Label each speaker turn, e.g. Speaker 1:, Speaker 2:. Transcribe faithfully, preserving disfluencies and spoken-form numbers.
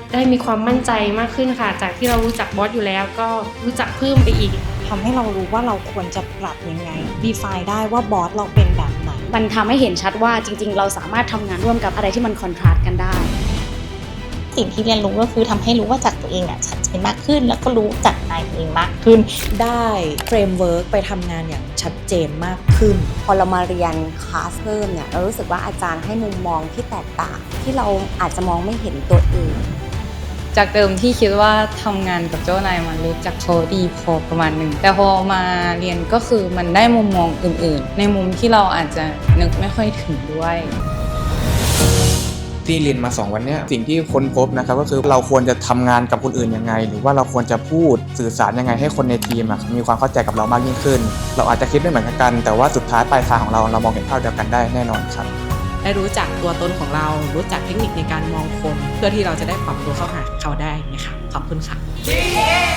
Speaker 1: ได้มีความมั่นใจมากขึ้นค่ะจากที่เรารู้จักบอสอยู่แล้วก็รู้จักเพิ่มไปอีก
Speaker 2: ทำให้เรารู้ว่าเราควรจะปรับยังไง define ได้ว่าบอสเราเป็นแบบไหน
Speaker 3: มันทำให้เห็นชัดว่าจริงๆเราสามารถทำงานร่วมกับอะไรที่มันคอนทราสต์กันได้
Speaker 4: สิ่งที่เรียนรู้ก็คือทำให้รู้ว่าจักตัวเองอ่ะชัดเจนมากขึ้นแล้วก็รู้จักนายตัวเองมากขึ้น
Speaker 2: ได้เฟรมเวิร์กไปทำงานอย่างชัดเจนมากขึ้น
Speaker 5: พอเรามาเรียนคลาสเพิ่มเนี่ยเรารู้สึกว่าอาจารย์ให้มุมมองที่แตกต่างที่เราอาจจะมองไม่เห็นตัวเอง
Speaker 6: จากเดิมที่คิดว่าทำงานกับเจ้านายมันรู้จักเขาดีพอประมาณหนึ่งแต่พอมาเรียนก็คือมันได้มุมมองอื่นๆในมุมที่เราอาจจะนึกไม่ค่อยถึงด้วย
Speaker 7: ที่เรียนมาสองวันนี้สิ่งที่ค้นพบนะครับก็คือเราควรจะทำงานกับคนอื่นยังไงหรือว่าเราควรจะพูดสื่อสารยังไงให้คนในทีมมีความเข้าใจกับเรามากยิ่งขึ้นเราอาจจะคิดไม่เหมือนกันแต่ว่าสุดท้ายปลายทางของเราเรามองเห็นภาพเดียวกันได้แน่นอนครับ
Speaker 8: ได้รู้จักตัวตนของเรารู้จักเทคนิคในการมองคนเพื่อที่เราจะได้ปรับตัวเข้าหาเขาได้นะคะขอบคุณค่ะ